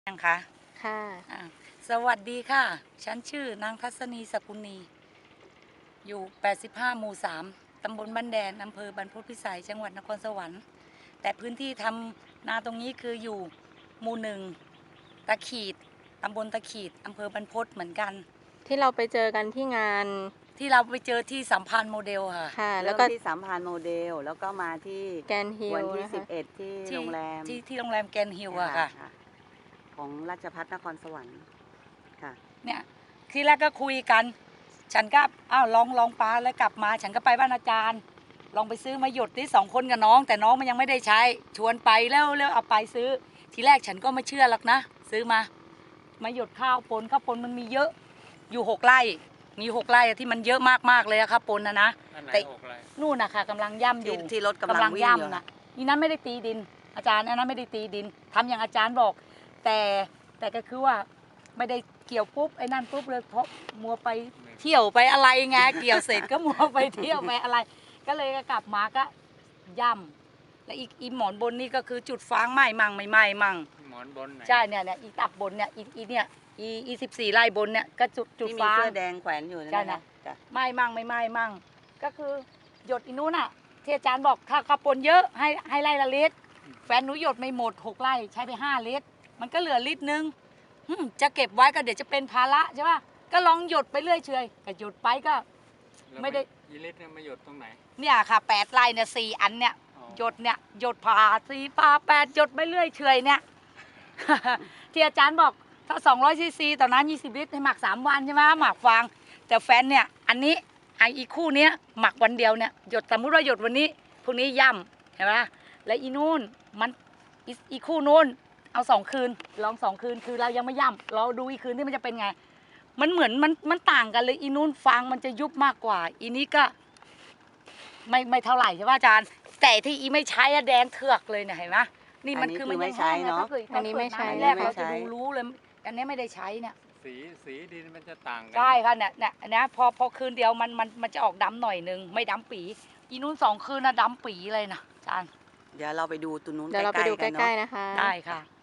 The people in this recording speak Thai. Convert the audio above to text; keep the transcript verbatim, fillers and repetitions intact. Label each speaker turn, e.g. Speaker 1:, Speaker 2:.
Speaker 1: ยังคะ
Speaker 2: ค่ะ
Speaker 1: อ่าสวัสดีค่ะ ฉันชื่อนางทัศนีสกุลนีอยู่ แปดสิบห้า หมู่ สาม ตำบลบ้านแดน อำเภอบรรพตพิสัย จังหวัดนครสวรรค์ แต่พื้นที่ทำนาตรงนี้คืออยู่หมู่หนึ่งตะขีด ตำบลตะขีด อำเภอบรรพตเหมือนกัน
Speaker 2: ที่เราไปเจอกันที่งาน
Speaker 1: ที่เราไปเจอที่สัมพันธ์โมเดลค่ะ
Speaker 2: ค่ะ แล้
Speaker 3: เริ่
Speaker 2: ว
Speaker 3: ม
Speaker 2: ก็
Speaker 3: ที่สามพรานโมเดล แล้วก็มาที่
Speaker 2: แกนฮิล
Speaker 3: วันที่
Speaker 2: นะ
Speaker 3: สิ
Speaker 2: คะ
Speaker 3: บเอ็ด ที่
Speaker 1: ที่
Speaker 3: โรงแรม
Speaker 1: ที่ที่โรงแรมแกรนด์ฮิลล์อะค่ะ
Speaker 3: ของราชภัฏนครสวรรค์ค่ะ
Speaker 1: เนี่ยที่แรกก็คุยกัน ฉันก็อ้าวลองลองปลาแล้วกลับมา ฉันก็ไปบ้านอาจารย์ ลองไปซื้อมาหยดที่สองคนกับน้อง แต่น้องมันยังไม่ได้ใช้ ชวนไปแล้วแล้วเอาไปซื้อ ทีแรกฉันก็ไม่เชื่อหรอกนะ ซื้อมา มาหยดข้าวปนข้าวปนมันมีเยอะ อยู่หกไร่ มีหกไร่ที่มันเยอะมากๆเลยอะครับปนนะนะ
Speaker 4: อันไหน
Speaker 1: แต่
Speaker 4: หกไร่
Speaker 1: นู่นนะคะกำลังย่ำอ
Speaker 3: ที่
Speaker 1: ยู่
Speaker 3: ที่รถกำลังวิ่งอยู่
Speaker 1: ย่ำนะนี่นั้นไม่ได้ตีดิน อาจารย์อันนั้นไม่ได้ตีดินทำอย่างอาจารย์บอก แต่แต่ก็คือว่าไม่ได้เกี่ยวปุ๊บไอ้นั่นปุ๊บเลยเพราะมัวไปเที่ยวไปอะไรไงเกี่ยวเสร็จก็มัวไปเที่ยวไปอะไร ก็เลยกลับมาก็ย่ำแล้วอีกอีหมอนบนนี่ก็คือจุดฟางไหม้มั่งไม่ไหม้มั่ง
Speaker 4: หมอนบนไหน
Speaker 1: ใช่เนี่ยเนี่ยอีตับบนเนี่ยอีอีเนี่ยอีอีสิบสี่ไร่บนเนี่ยก็จุดจุด
Speaker 3: ที่มี
Speaker 1: ฟาง
Speaker 3: เสื้อแดงแขวนอยู่นั่น
Speaker 1: ใช่
Speaker 3: นะ
Speaker 1: นะ
Speaker 3: จ้ะ
Speaker 1: ไหม้มั่งไม่ไหม้มั่งก็คือหยดอีนู้นอ่ะที่อาจารย์บอกถ้าข้าวปนเยอะให้ให้ไร่ละลิตรแฟนหนูหยดไม่หมดหกไร่ใช้ไปห้าลิตรมันก็เหลือลิตรนึงหึ่มจะเก็บไว้ก็เดี๋ยวจะเป็นภาระใช่ป่ะก็ลองหยดไปเรื่อยเฉยก็หยดไปก็
Speaker 4: แล้ว
Speaker 1: ไม่ได้
Speaker 4: ยีลิตรเนี่ยมาหยดตรงไหน
Speaker 1: เนี่ยค่ะแปดไร่เนี่ยสี่อันเนี่ย
Speaker 4: อ๋อ
Speaker 1: หยดเนี่ยหยดผ่าสี่ผ่าแปดหยดไปเรื่อยเฉยเนี่ย ที่อาจารย์บอกถ้าสองร้อยซีซีต่อน้ำยี่สิบลิตรให้หมักสามวันใช่ไหมหมักฟางแต่แฟนเนี่ยอันนี้ไออีกคู่เนี้ยหมักวันเดียวเนี่ยหยดสมมติว่าหยดวันนี้พรุ่งนี้ย่ำเห็นไหมแล้วอีนู่นมันอีอีคู่นู่นเอาสองคืนลองสองคืนคือเรายังไม่ย่ำเราดูอีกคืนที่มันจะเป็นไง มันเหมือนมันมันต่างกันเลยอีนู่นฟางมันจะยุบมากกว่า อีนี้ก็ ไม่ไม่เท่าไหร่ใช่ป่ะอาจารย์ แต่ที่อีไม่ใช้อะแดงเถือกเลยเนี่ยเห็นไหมนี่มันคือมันยังแห้งนะถ้าเกิด
Speaker 2: อันนี้ไม่ใช้
Speaker 1: แรกเราจะดูรู้เลยอันนี้ไม่ได้ใช้เนี่ย
Speaker 4: สีสีดินมันจะต่างกั
Speaker 1: ใช่ค่ะเนี่ยเนี่ยอันนี้พอพอคืนเดียวมันมันมันจะออกดำหน่อยนึงไม่ดำปีอีนู้นสองคืนนะดำปีเลยนะอาจารย์
Speaker 3: เดี๋ยวเราไปดูตัวนู้น
Speaker 2: เดี๋ยวเราไปดูใก
Speaker 3: ๆกัน
Speaker 2: ล้
Speaker 3: เนาะ
Speaker 2: ๆนะคะ
Speaker 1: ได้ค่ะ